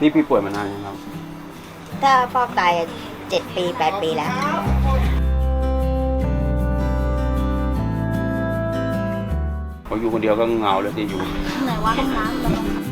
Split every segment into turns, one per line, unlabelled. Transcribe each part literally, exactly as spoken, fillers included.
นี่พี่ป่วยมานานยังครับ
ถ้าฟอกไตเจ็ดปีแปดปีแล้ว
ผมอยู่คนเดียวก็เหงาเลยที่อยู่
ไหนว่าห้องน้ำ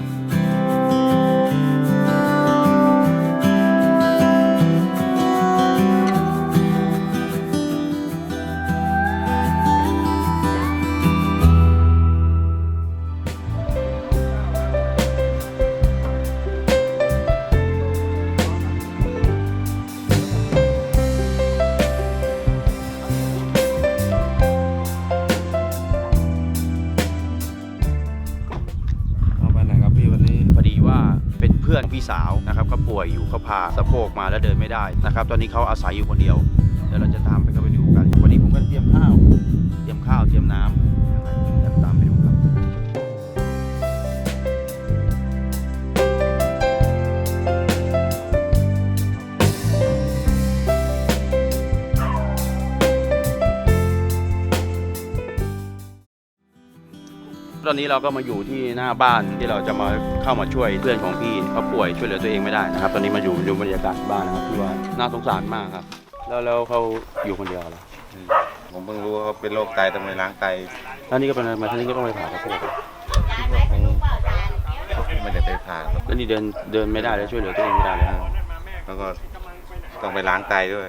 เพื่อนพี่สาวนะครับก็ป่วยอยู่เขาพาสะโพกมาแล้วเดินไม่ได้นะครับตอนนี้เขาอาศัยอยู่คนเดียวเดี๋ยวเราจะตามไปเข้าไปดูกันวันนี้ผมก็เตรียมข้าวเตรียมข้าวเตรียมน้ำเดี๋ยวตามไปดูครับตอนนี้เราก็มาอยู่ที่หน้าบ้านที่เราจะมาเข้ามาช่วยเพื่อนของพี่เขาป่วยช่วยเหลือตัวเองไม่ได้นะครับตอนนี้มาอยู่ดูบรรยากาศบ้านนะครับที่ว่าน่าสงสารมากครับแล้วแล้วเขาอยู่คนเดียวเหรอ
ผมเพิ่งรู้ว่าเขาเป็นโรคไตทำไมล้างไต
แล้วนี่ก็เป็นมาท่านี้ก็ต้องไปผ่าสะโพก
ไม่ได้ไปผ่าครับ
แล้วนี่เดินเดินไม่ได้แล้วช่วยเหลือตัวเองไม่ได้เลย
แล้วก็ต้องไปล้างไตด้วย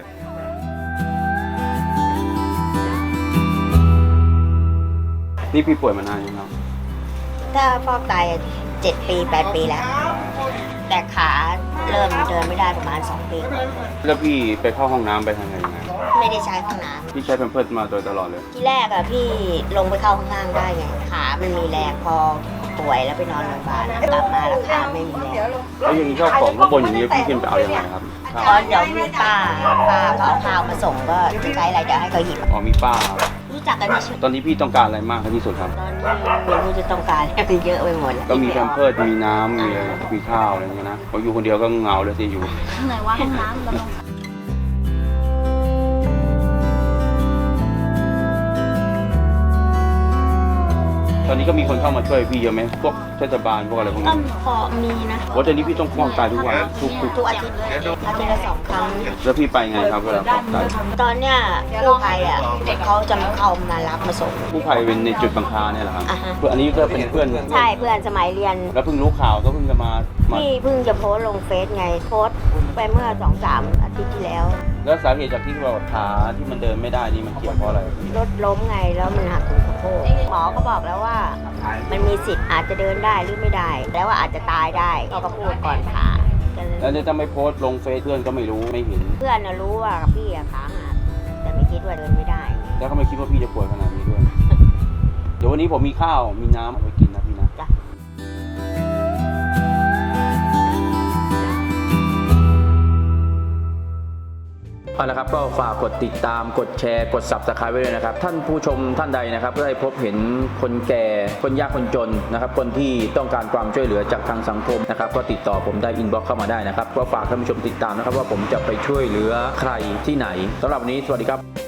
นี่พี่ป่วยมานานยังครับ
ถ้าฟอกไตเจ็ดปีแปดปีแล้วแต่ขาเริ่มเดินไม่ได้ประมาณสองปี
แล้วพี่ไปเข้าห้องน้ำไปทางไหนยังไง
ไม่ได้ใช้ห้องน้ำ
พี่ใช้แพมเพิร์สมาโดยตลอดเลย
ที่แรกอะพี่ลงไปเข้าข้างล่างได้ไงขามันมีแรงพอป่วยแล้วไปนอนโรงพยาบาลกลับมาแล้วขาไม่มีแรง
แล้วอย่างนี้ข้าวของข้างบนอย่างนี้พี่ขึ้นไปเอายังไงครับ
ตอนเดี๋ยวมีป้าป้าเขาเอาข้าวมาส่งก็จะใช้อะไรเดี๋ยวให้เขาหยิบ
อ๋อมีป้า
รู้จักกันไหม
ตอนนี้พี่ต้องการอะไรมากที่สุดครับ
ตอนนี้ไม่รู้จะต้องการอะไรเยอะไปหมด
ก็มีแพมเพิร์สมีน้ำมีมีข้าวอะไรอย่างเงี้ยนะผมอยู่คนเดียวก็เหงาเลยที่อยู่
ไหนว่าห้องน้ำเรา
ตอนนี้ก็มีคนเข้ามาช่วยพี่เยอะไหมพวกเทศบาลพวกอะไรพวกนี้
พอมีนะ
ว่าตอนนี้พี่ต้องฟอกไตทุกวันทุก
ทุกอาทิตย์อาทิตย์ละสองครั้ง
แล้วพี่ไปไงครับเวลาฟอกไต
ตอนเนี้ยกู้ภัยอ่ะเขาจะมาเข้ามารับมาส่ง
กู้ภัยเป็นในจุดบางคาเนี่ยเหรอครับเพื่อนอันนี้ก็เป็นเพื่อน
ใช่เพื่อนสมัยเรียน
แล้วเพิ่งรู้ข่าวก็เพิ่งจะมา
พี่เพิ่งจะโพสลงเฟซไงโพสไปเมื่อสองสามอาทิตย์ที่แล้ว
แล้วสาเหตุจากที่เราขาที่มันเดินไม่ได้นี่มันเกี่ยวเพราะอะไร
รถล้มไงแล้วมันหักถึงสะโพกหมอก็บอกแล้วว่ามันมีสิทธิ์อาจจะเดินได้หรือไม่ได้แล้วว่าอาจจะตายได้เขาก็พูดก่อนผ่า
แล้วถ้าไม่โพสลงเฟซเพื่อนก็ไม่รู้ไม่เห็น
เพื่อนนะรู้ว่าพี่ขาหักแต่ไม่คิดว่าเดินไม่ได้
แล้วก็ไม่คิดว่าพี่จะป่วยขนาดนี้ด้วยเดี๋ยววันนี้ผมมีข้าวมีน้ำเอาไปกินนะพี่นะเอาละครับก็ฝากกดติดตามกดแชร์กด ซับสไครบ์ ไว้ด้วยนะครับท่านผู้ชมท่านใดนะครับได้พบเห็นคนแก่คนยากคนจนนะครับคนที่ต้องการความช่วยเหลือจากทางสังคมนะครับก็ติดต่อผมได้อินบ็อกซ์เข้ามาได้นะครับก็ฝากท่านผู้ชมติดตามนะครับว่าผมจะไปช่วยเหลือใครที่ไหนสำหรับวันนี้สวัสดีครับ